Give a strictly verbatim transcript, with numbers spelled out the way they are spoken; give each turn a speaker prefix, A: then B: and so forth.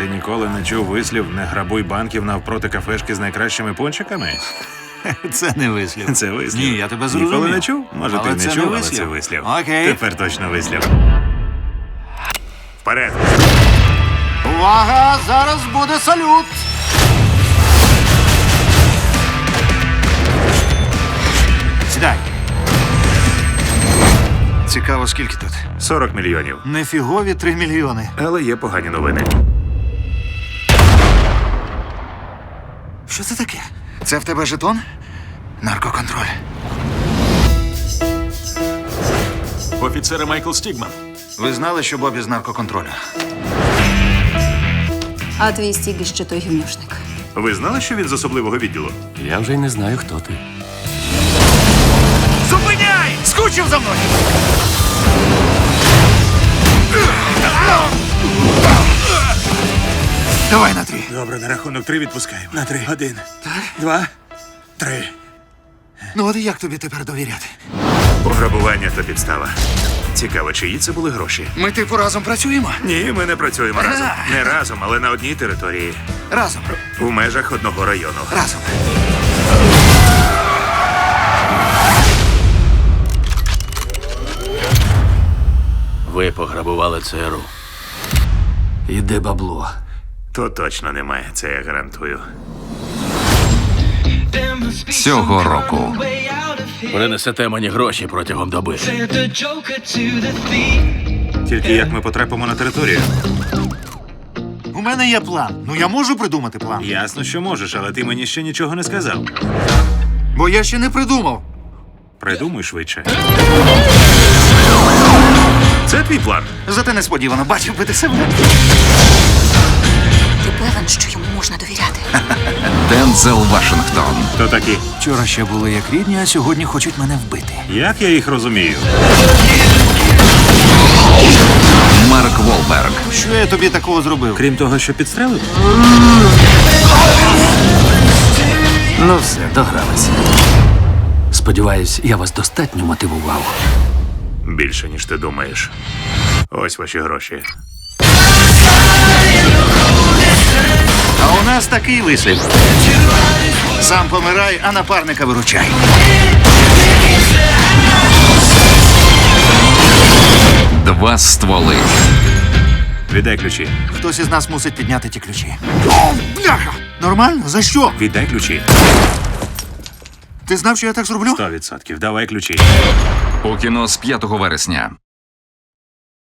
A: Ти ніколи не чув вислів «не грабуй банків навпроти кафешки з найкращими пончиками»?
B: Це не вислів.
A: Це вислів.
B: Ні, я тебе зрозумів.
A: Ніколи не чув? Може,
B: Але
A: ти
B: це
A: не
B: не
A: чув, але
B: вислів.
A: це вислів.
B: Окей.
A: Тепер точно вислів. Вперед!
B: Увага! Зараз буде салют! Сідай. Цікаво, скільки тут?
A: сорок мільйонів.
B: Нефігові три мільйони.
A: Але є погані новини.
B: Що це таке? Це в тебе жетон? Наркоконтроль.
C: Офіцер Майкл Стігман.
B: Ви знали, що Бобі з наркоконтролю?
D: А твій стіг ще той гівнюшник.
A: Ви знали, що він з особливого відділу?
C: Я вже й не знаю, хто ти.
B: Зупиняй! Скучив за мною! Давай на три.
A: Добре, на рахунок три відпускаємо. На три. Один. Два. Три.
B: Ну от як тобі тепер довіряти?
A: Пограбування та підстава. Цікаво, чиї це були гроші?
B: Ми типу разом працюємо?
A: Ні, ми не працюємо разом. Не разом, але на одній території.
B: Разом.
A: В межах одного району.
B: Разом.
C: Ви пограбували ЦРУ. Іде бабло.
A: То точно немає, це я гарантую.
E: Цього року
C: Принесете мені гроші протягом доби.
A: Тільки як ми потрапимо на територію?
B: У мене є план. Ну я можу придумати план.
A: Ясно, що можеш, але ти мені ще нічого не сказав.
B: Бо я ще не придумав.
A: Придумай швидше. Це твій план.
B: Зате несподівано бачив би ти себе.
D: Ти певен, що йому можна довіряти?
E: Дензел Вашингтон,
A: То такі.
B: Вчора ще були як рідні, а сьогодні хочуть мене вбити.
A: Як я їх розумію?
E: Марк Волберг,
B: Що я тобі такого зробив?
A: Крім того, що підстрелив?
C: Ну все, догралися. Сподіваюсь, я вас достатньо мотивував.
A: Більше, ніж ти думаєш. Ось ваші гроші.
B: А у нас такий вислів. Сам помирай, а напарника виручай.
E: два стволи,
A: Віддай ключі.
B: Хтось із нас мусить підняти ті ключі. О, бляха! Нормально? За що?
A: Віддай ключі.
B: Ти знав, що я так зроблю?
A: Сто відсотків. Давай ключі.
E: у кіно з п'ятого вересня.